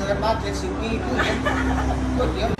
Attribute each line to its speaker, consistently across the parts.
Speaker 1: กิดมา70 ปีเพิ่งเห็นก๋วยเตี๋ยว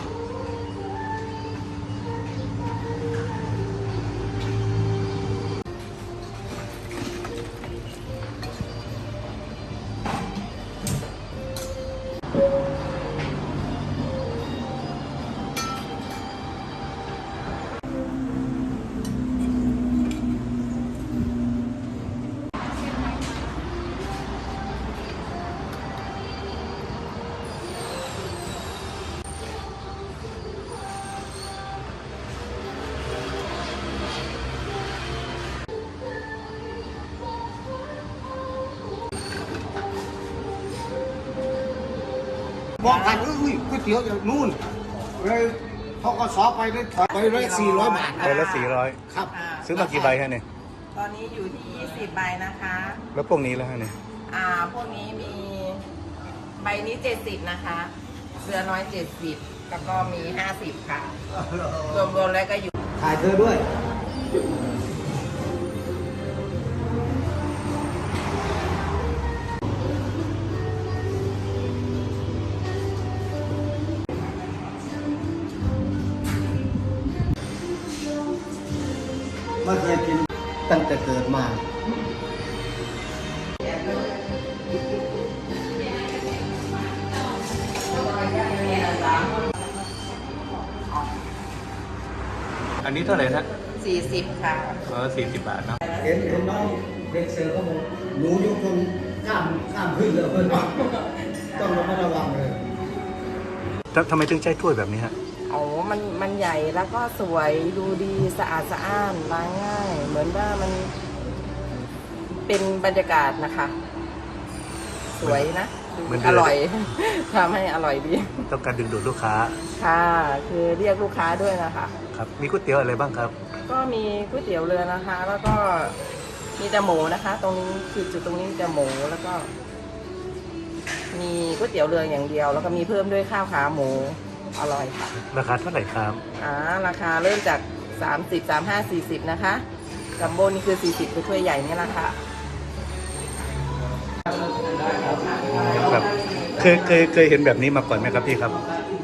Speaker 1: มองผ่านอุ้ยก๋วยเตี๋ยวอย่างนู่นเลยทกสไปได้ถอยไปเลย400 บาท
Speaker 2: ใบละ400
Speaker 1: ครับ
Speaker 2: ซื้อมากี่ใบฮะเนี่ย
Speaker 3: ตอนนี้อยู่ที่20 ใบนะคะ
Speaker 2: แล้วพวกนี้แล้วฮะเนี่ย
Speaker 3: พวกนี้มีใบนี้70นะคะเรือน้อย70แล้วก็มี50ค่ะรวมๆแล้วก็อยู่
Speaker 1: ถ่ายเธอด้วยไม่เคยกินตั้งแต่เกิดมา
Speaker 2: อันนี้เท่าไหร่นะ
Speaker 3: 40ค่ะ
Speaker 2: 40 บาทเนาะ
Speaker 1: เห็นน้องเด็กเสิร์ฟเขาบอกหนูยกคนข้ามขึ้นเลยเพื่อนต้องระมัดระวังเลย
Speaker 2: ทำไมถึงใช้ถ้วยแบบนี้ฮะ
Speaker 3: มันใหญ่แล้วก็สวยดูดีสะอาดสะอ้านล้างง่าย เหมือนว่ามันเป็นบรรยากาศนะคะ สวยนะอร่อย ทำให้อร่อยดี
Speaker 2: ต้องการดึงดูดลูกค้า
Speaker 3: ค่ะ คือเรียกลูกค้าด้วยนะคะ
Speaker 2: ครับ มีก๋วยเตี๋ยวอะไรบ้างครับ
Speaker 3: ก็มีก๋วยเตี๋ยวเรือนะคะ แล้วก็มีแต่หมูนะคะ ตรงนี้จุดตรงนี้จะหมูแล้วก็ มีก๋วยเตี๋ยวเรืออย่างเดียว แล้วก็มีเพิ่มด้วยข้าวขาหมูอร่อยค่ะ
Speaker 2: ราคาเท่าไหร่ครับ
Speaker 3: ราคาเริ่มจาก30 35 40นะคะจัมโบ้นี่คือ40คือถ้วยใหญ่นี่แหละค่ะ
Speaker 2: ครับเคยเห็นแบบนี้มาก่อนไหมครับพี่ครับ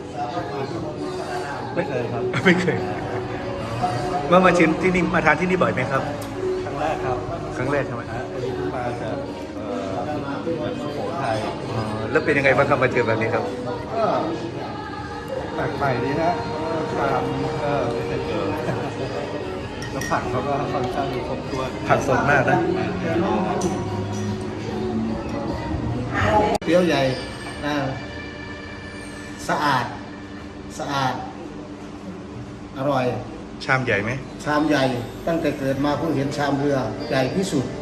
Speaker 4: ไม่เคยครับ
Speaker 2: ไม่เคยมาชิมที่นี่มาทานที่นี่บ่อยไหมครับ
Speaker 4: ครั้งแรกครับ
Speaker 2: ครั้งแรกใช่ไหม
Speaker 4: อันนี้มาจากสุโขทัย
Speaker 2: อ๋อแล้วเป็นยังไงบ้างครับมาเจอแบบนี้ครับ
Speaker 4: ก็แปลกใหม่ดีนะชามก็ไม่เคยเจอแล้วผักเขาก็ค่อนข้างครบถ้วน
Speaker 2: ผักสดมากนะ
Speaker 1: เตี๋ยวใหญ่สะอาดอร่อย
Speaker 2: ชามใหญ่ไหม
Speaker 1: ชามใหญ่ตั้งแต่เกิดมาเพิ่งเห็นชามเรือใหญ่ที่สุด